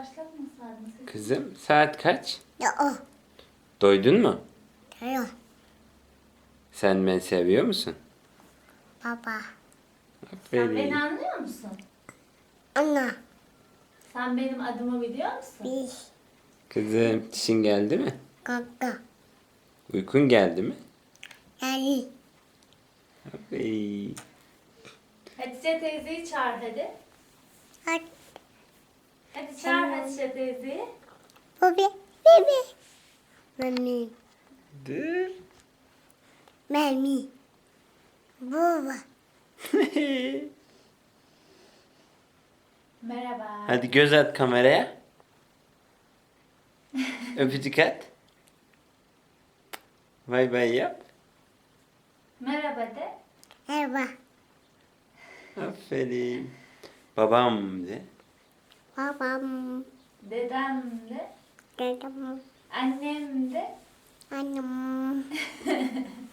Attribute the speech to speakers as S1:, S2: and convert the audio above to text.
S1: başlatmasaydın.
S2: Kızım saat kaç?
S3: Ya o.
S2: Doydun mu?
S3: Yok.
S2: Sen beni seviyor musun?
S3: Baba.
S1: Sen beni
S2: Aferin.
S1: anlıyor musun?
S3: Ana.
S1: Sen benim adımı biliyor musun?
S3: Bir.
S2: Kızım dişin geldi mi?
S3: Kaka.
S2: Uykun geldi mi?
S3: Yani.
S2: Aferin.
S1: Hatice teyzeyi çağır hadi.
S3: Hadi.
S1: Hadi çağır Hatice teyzeyi.
S3: Bebe. Bebe. Mami.
S2: Dur.
S3: Mami. Baba.
S1: Merhaba.
S2: Hadi göz at kameraya. Öpücük at. Bay bay yap.
S1: Merhaba de.
S3: Merhaba.
S2: Aferin. Babam de.
S3: Babam.
S1: Dedem de.
S3: Dedem.
S1: Annem de.
S3: Annem.